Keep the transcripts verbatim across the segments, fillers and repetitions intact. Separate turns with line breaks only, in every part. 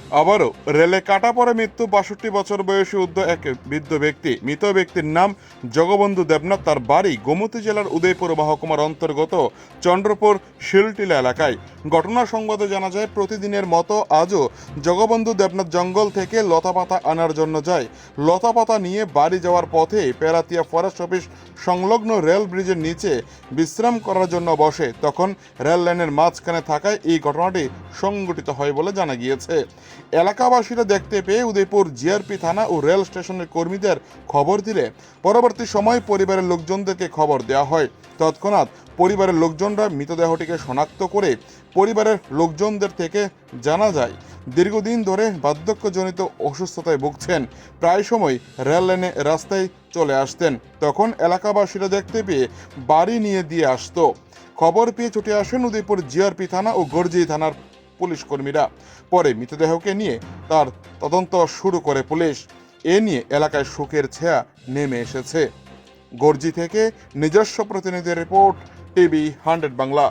আবারও রেলে কাটা পড়ে মৃত্যু বাষট্টি বছর বয়সী উদ্ধ এক বৃদ্ধ ব্যক্তি। মৃত ব্যক্তির নাম জগবন্ধু দেবনাথ। তার বাড়ি গোমতী জেলার উদয়পুর মহকুমার অন্তর্গত চন্দ্রপুর শিলটিলা এলাকায়। ঘটনার সংবাদে জানা যায়, প্রতিদিনের মতো আজও জগবন্ধু দেবনাথ জঙ্গল থেকে লতাপাতা আনার জন্য যায়। লতাপাতা নিয়ে বাড়ি যাওয়ার পথে পেরাতিয়া ফরেস্ট অফিস সংলগ্ন রেল ব্রিজের নিচে বিশ্রাম করার জন্য বসে। তখন রেল লাইনের মাঝখানে থাকায় এই ঘটনাটি সংঘটিত হয় বলে জানা গিয়েছে। এলাকাবাসীরা দেখতে পেয়ে উদয়পুর জিআরপি থানা ও রেল স্টেশনের কর্মীদের খবর দিলে পরবর্তী সময় পরিবারের লোকজনদেরকে খবর দেওয়া হয়। তৎক্ষণাৎ পরিবারের লোকজনরা মৃতদেহটিকে শনাক্ত করে পরিবারের লোকজনদের থেকে জানা যায় দীর্ঘদিন ধরে বার্ধক্যজনিত অসুস্থতায় ভুগছেন। প্রায় সময় রেল লাইনে রাস্তায় চলে আসতেন। তখন এলাকাবাসীরা দেখতে পেয়ে বাড়ি নিয়ে দিয়ে আসতো। খবর পেয়ে ছুটে আসেন উদয়পুর জিআরপি থানা ও গর্জি থানার পুলিশ কর্মীরা। পরে মৃতদেহকে নিয়ে তার তদন্ত শুরু করে পুলিশ। এ নিয়ে এলাকায় শোকের ছায়া নেমে এসেছে। গর্জি থেকে নিজস্ব প্রতিনিধি রিপোর্ট, টিভি হান্ড্রেড বাংলা।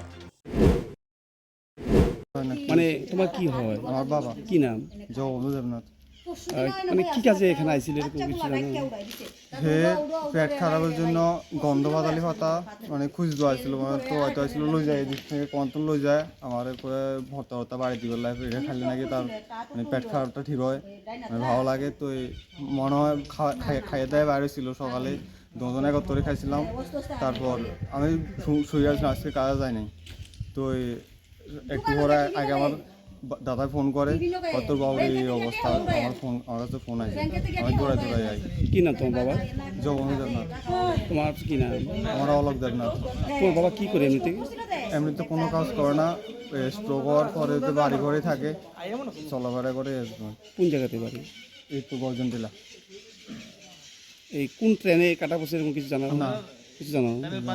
মানে তোমার কি হয়?
আমার বাবা
কি নাম?
জগবন্ধু দেবনাথ।
আহ, মানে কি কাজে এখানে আইছিল এরকম কিছু জানো?
হে পেট খারাপের জন্য গন্ধ বাদালি পাতা মানে খুঁজতে আসছিল, মানে তো হয়তো আসছিল লই যায়, এদিক থেকে কন্ট্রোল লই যায় আমার করে ভর্তা ভর্তা বাড়ি দিব লাগে। এটা খাইলে নাকি তার মানে পেট খারাপটা ঠিক হয়, মানে ভালো লাগে। তো এই মনে হয় খাইয়ে দেয় বাইরে ছিল সকালে দুজন একত্রে খাইছিলাম। তারপর আমি শুয়ে আসলাম, আজকে কাজে যায়নি। তো একটু পরে আগে আমার দাদা ফোন করে, কত বাবুর এই অবস্থা। আমার ফোন আমার কাছে ফোন আছে, আমি দৌড়াই দৌড়াই যাই।
কি নাম তোমার বাবা?
জগবন্ধু দেবনাথ।
তোমার কি নাম?
আমার অলোক দেবনাথ।
তোমার বাবা কি করে এমনিতে?
এমনিতে কোনো কাজ করে না, স্ট্রোক হওয়ার পরে তো বাড়ি ঘরে থাকে, চলাফেরা করে আসবে।
কোন জায়গাতে বাড়ি?
এই তো গর্জন টিলা।
এই কোন ট্রেনে কাটা পড়ছে এরকম কিছু জানো
না।
কিছু জানো?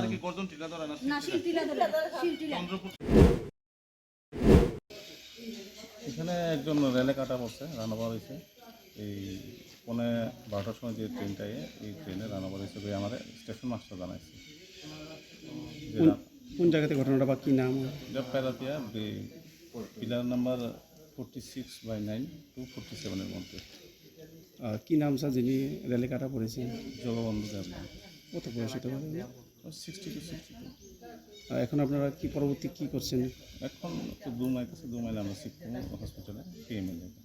এখানে একজন রেলে কাটা পড়ছে, রান্নাবার হয়েছে এই পৌনে বারোটার সময় যে ট্রেনটায়, এই ট্রেনে রান্নাবার হিসেবে আমার স্টেশন মাস্টার জানাইছে যে
কোন- কোন জায়গাতে ঘটনাটা বা কি নাম?
Peratia pillar number forty six by nine to forty সেভেনের মধ্যে।
আহ, কি নাম স্যার যিনি রেলে কাটা পড়েছেন?
জগবন্ধু দেবনাথ,
কত বয়স হতে পারে?
Sixty two sixty two.
আর এখন আপনারা কি পরবর্তী কি করছেন?
এখন তো দু মাইল আছে, দু মাইল আমরা শিখবো হসপিটালে পিএমএল।